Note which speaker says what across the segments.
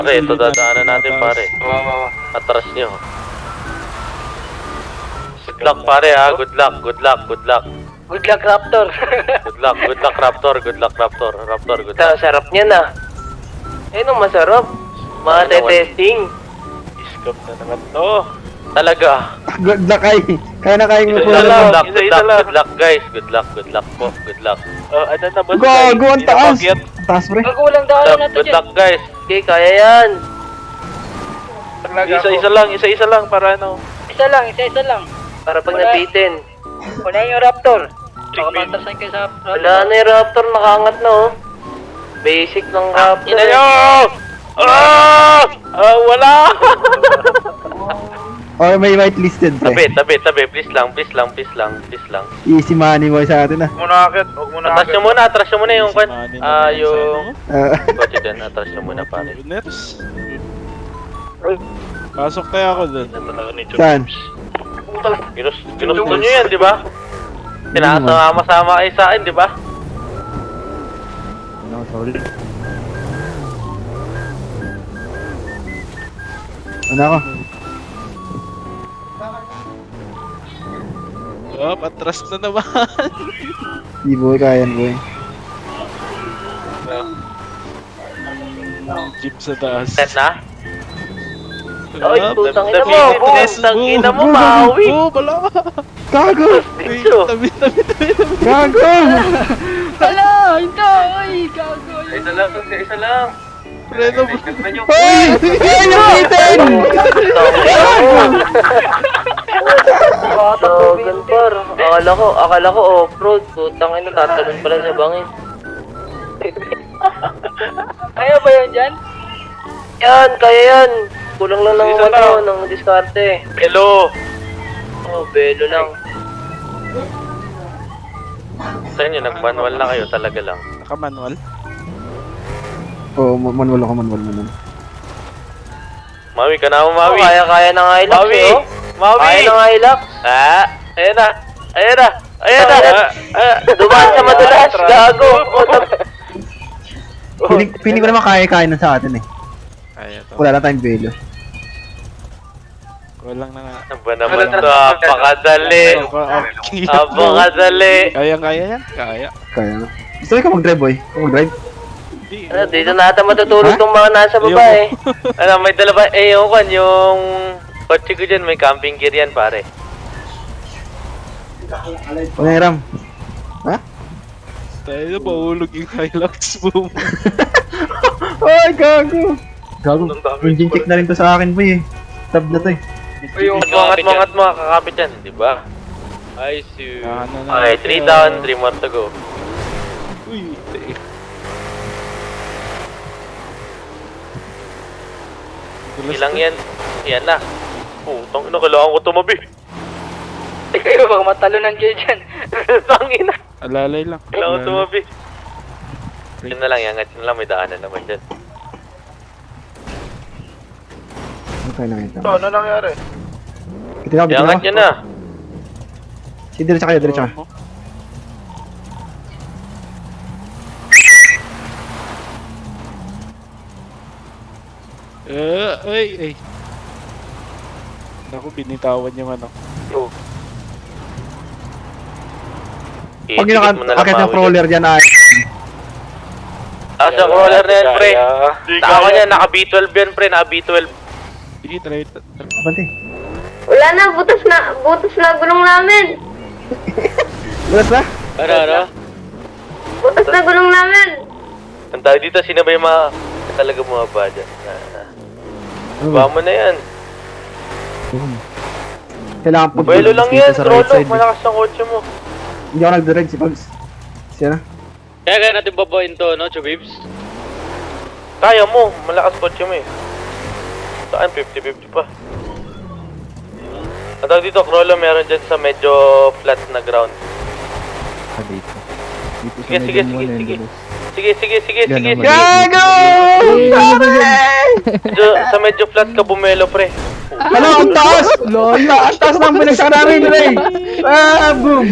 Speaker 1: Pare, ito dadaanan natin pare. Atras nyo. Good luck pare ha, good luck, good luck, good luck.
Speaker 2: Good luck, Raptor.
Speaker 1: Good luck Raptor, good luck Raptor. Raptor, good luck.
Speaker 2: Sarap niya na. Eh, nung masarap. Mga testing.
Speaker 1: Iskap na naman to. Talaga.
Speaker 3: Good luck ay. Kaya na kayang
Speaker 1: Isa
Speaker 3: mapunan
Speaker 1: lang,
Speaker 3: mo.
Speaker 1: good luck guys. Good luck po, good luck.
Speaker 4: Ano na ba?
Speaker 3: Gago, ang taas. Ang taas pre.
Speaker 2: Magkulang daan na to
Speaker 1: Good luck
Speaker 2: dyan.
Speaker 1: guys.
Speaker 2: Okay, kaya yan.
Speaker 4: Isa-isa lang para ano.
Speaker 2: Isa lang. Para pag nabitin. Wala yung Raptor. Baka matasan kayo sa Raptor. Wala na yung Raptor, nakaangat na oh. Basic ng Raptor.
Speaker 1: Ina nyo! Wala!
Speaker 3: Or may whitelisted pre.
Speaker 1: Tabi. Please lang.
Speaker 3: Easy money boy sa atin ah.
Speaker 1: Atras nyo muna yung kwan. Yung...
Speaker 3: Ah,
Speaker 1: Kotse dyan, atras nyo muna pare.
Speaker 4: Ners. Pasok kaya ako dun.
Speaker 3: saan?
Speaker 1: Ginusto nyo yan, di ba? Sinasama-sama kayo sa akin, di ba?
Speaker 3: No, sorry. Ano ako?
Speaker 4: Atras na naman.
Speaker 3: Di boy, kaya yan boy.
Speaker 4: Jeep sa taas.
Speaker 1: Set na?
Speaker 2: Oy, putang ina mo.
Speaker 1: Fitness,
Speaker 2: Putang ina mo, maui.
Speaker 4: Bala.
Speaker 3: Gago!
Speaker 1: Picture.
Speaker 4: Tabi.
Speaker 3: Gago!
Speaker 2: Hala, hindi. Oy, gago.
Speaker 1: Isa lang.
Speaker 4: Preno.
Speaker 3: Hoy! Ay, napitin!
Speaker 2: Tawagan par. Akala ko off-road. Putang ina, tatalon pala sa bangin. Kaya ba yan dyan? Yan, kaya yan. Kulang lang ng ng diskarte.
Speaker 1: Hello.
Speaker 2: Oh, belo lang.
Speaker 1: Sa inyo, nag-manual na kayo talaga lang.
Speaker 4: Naka-manual.
Speaker 3: Oo, manual ako, manual.
Speaker 1: Mawi ka na mo, Mawi.
Speaker 2: Kaya na nga ilak
Speaker 1: Mawi!
Speaker 2: eh, oh.
Speaker 1: Mawi!
Speaker 2: Kaya na nga ilak.
Speaker 1: Ayan na.
Speaker 2: Dumaan sa madulas, gago.
Speaker 3: Piling ko naman kaya na sa atin eh.
Speaker 4: Kaya to.
Speaker 3: Wala lang tayong velo.
Speaker 4: Kulang na nga.
Speaker 1: Ano ba naman to? Apakadali. Apakadali.
Speaker 4: Kaya yan? Kaya.
Speaker 3: Kaya na. Gusto ko mag-drive boy? Ikaw mag-drive?
Speaker 4: Hindi.
Speaker 2: Dito na ata matutulog
Speaker 3: Ha?
Speaker 2: tong mga nasa baba eh.
Speaker 1: Ano, may dala ba? Yung kotse ko dyan, may camping gear yan, pare.
Speaker 3: Ano yung Ram? Ha?
Speaker 4: Tayo na mahulog yung Hilux boom.
Speaker 3: Ay, gago! Gago, engine check na rin to sa akin boy eh. Tab na to eh.
Speaker 1: Mangat mga kakapit yan, di ba? I see. Okay, 3 down, 3 more to go.
Speaker 4: Uy,
Speaker 1: Ilang yan? Yan na. Putang ina, kailangan ko tumabi.
Speaker 2: Kayo baka matalunan kayo dyan.
Speaker 1: Tangina.
Speaker 4: Alalay lang.
Speaker 1: Kailangan ko tumabi. Yun na lang, yangat yun lang, may daanan naman dyan.
Speaker 3: Ano kayo nakita?
Speaker 4: Ano nangyari?
Speaker 3: Kita ako,
Speaker 1: Yangat yun na.
Speaker 3: Si diretso kayo, diretso.
Speaker 4: Ay. Naku, binitawan yung ano.
Speaker 3: Pag yung akit ng crawler dyan ay...
Speaker 1: Sa crawler na yan, pre. Ako niya, naka B12 yan, pre. Naka B12.
Speaker 4: Sige, try.
Speaker 3: Abante.
Speaker 5: Wala na, butas na gulong namin.
Speaker 3: Bulas ba?
Speaker 1: Ano?
Speaker 5: Butas na gulong namin.
Speaker 1: Ang tawag dito, sino ba yung mga talaga bumaba dyan?
Speaker 3: Ano
Speaker 1: Ba mo na yan.
Speaker 3: Kailangan pag...
Speaker 1: Buelo lang yan,
Speaker 3: sa right
Speaker 1: Trollo.
Speaker 3: side.
Speaker 1: Malakas ang kotse mo.
Speaker 3: Hindi ako nag-direct si Pogs. Siya na.
Speaker 1: Kaya natin babain to, no, Chubibs? Kaya mo, malakas kotse mo eh. Saan, 50-50 pa. Ang tawag dito, Crollo, meron dyan sa medyo flat na ground.
Speaker 3: Dito. Dito
Speaker 1: Sige, sige, sige, sige. Sige.
Speaker 3: Gago!
Speaker 1: Sa medyo flat ka bumelo, pre.
Speaker 3: Hala, ang taas! Ang taas ng binagsak namin, Ray! Ah, boom!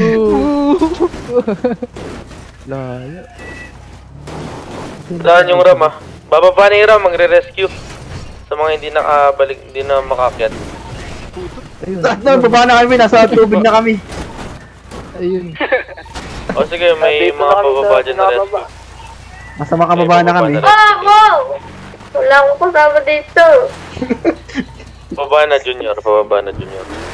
Speaker 3: Layo.
Speaker 1: Saan yung Ram, ah? Bababa na yung Ram, magre-rescue. Sa mga hindi nakabalik, hindi na makakyat.
Speaker 3: Ayun. Lahat na, baba na kami, nasa tubig na kami. Ayun.
Speaker 1: O sige, may mga pababa dyan na rescue.
Speaker 3: Nasa makababa na kami.
Speaker 5: Oh, wow! Wala akong kasama dito.
Speaker 1: Pababa na junior, pababa na junior.